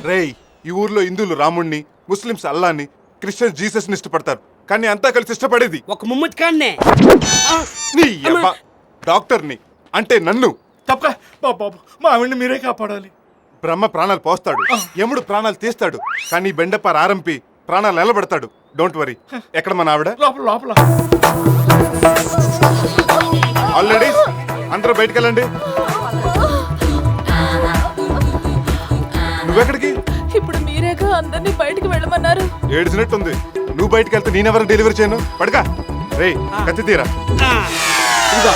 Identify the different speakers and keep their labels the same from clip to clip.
Speaker 1: రేయ్, ఈ ఊర్లో హిందువులు రాముణ్ణి, ముస్లిమ్స్ అల్లాని, క్రిస్టియన్స్ జీసస్ ని ఇష్టపడతారు. కానీ అంతా కలిసి ఇష్టపడేది
Speaker 2: ఒక ముమ్మతి కాన్నే.
Speaker 1: నీ యబ్బ డాక్టర్ని, అంటే నన్ను.
Speaker 3: తప్ప బాబు, మా ఆవిడ్ని మీరే కాపాడాలి.
Speaker 1: బ్రహ్మ ప్రాణాలు పోస్తాడు, యముడు ప్రాణాలు తీస్తాడు, కానీ బెండప్ప ఆరంపి ప్రాణాలు నిలబెడతాడు. Don't worry. ఎక్కడ మన ఆవిడ?
Speaker 3: లోపల లోపల.
Speaker 1: ఆల్రెడీ అందరూ బయటికి వెళ్ళండి. నువ్వెక్కడికి?
Speaker 4: ఇప్పుడు మీరేగా అందరినీ బయటికి వెళ్ళమన్నారు.
Speaker 1: ఏడ్చినట్టుంది. నువ్వు బయటికి వెళ్తే నేనెవరు డెలివరీ చేయను? పడకా. రేయ్, కత్తి తీరా.
Speaker 2: ఇదిగో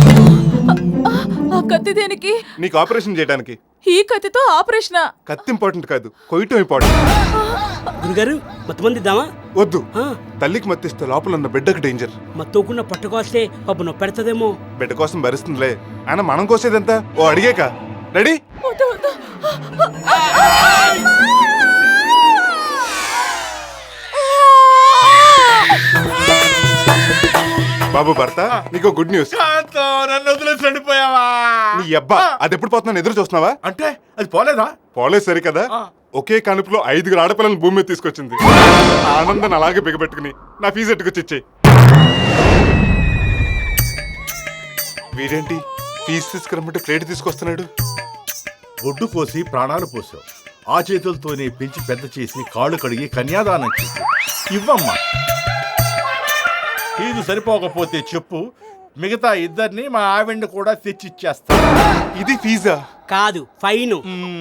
Speaker 4: ఆ కత్తి దేనికి?
Speaker 1: నీకు ఆపరేషన్ చేయడానికి.
Speaker 4: ఈ కత్తితో ఆపరేషనా?
Speaker 1: కత్తి ఇంపార్టెంట్ కాదు, కొయ్యటం ఇంపార్టెంట్.
Speaker 2: గురుగారు మొత్తమంది ఇద్దామా?
Speaker 1: వద్దు, తల్లికి మత్తిస్తే లోపల ఉన్న బిడ్డకు డేంజర్.
Speaker 2: మత్తోకుండా పట్టుకొస్తే పాప నొప్పి పెడతదేమో.
Speaker 1: బిడ్డ కోసం భరిస్తుందిలే. ఆయన మనం కోసేదంతా ఓ అడిగేక. రెడీ?
Speaker 4: వద్దు, వద్దు.
Speaker 1: బాబు భర్త, నీకు గుడ్ న్యూస్.
Speaker 3: కాంతో, నన్ను వదిలేసి వెళ్ళిపోయావా?
Speaker 1: నీ అబ్బా, అది ఎప్పుడు పోతున్నాను ఎదురు చూస్తున్నావా?
Speaker 3: అంటే అది పోలేదా?
Speaker 1: పోలేదు సరి కదా. ఒకే కనుపులో 5 ఆడపిల్లలను భూమి మీద తీసుకొచ్చింది. ఆనందాన్ని అలాగే బిగబెట్టుకుని నా ఫీజు ఎట్టుకొచ్చిచ్చేయి. వీడేంటి ఫీజు తీసుకురమ్మంటే ప్లేట్ తీసుకొస్తున్నాడు?
Speaker 3: ఒడ్డు కోసి ప్రాణాలు పోసావు. ఆ చేతులతోనే పెంచి పెద్ద చేసి కాళ్ళు కడిగి కన్యాదానం చేసి ఇవ్వమ్మా. ఫీజు సరిపోకపోతే చెప్పు, మిగతా ఇద్దరిని మా ఆవిడ్ని కూడా తెచ్చిచ్చేస్తా.
Speaker 1: ఇది ఫీజా?
Speaker 2: కాదు, ఫైన్.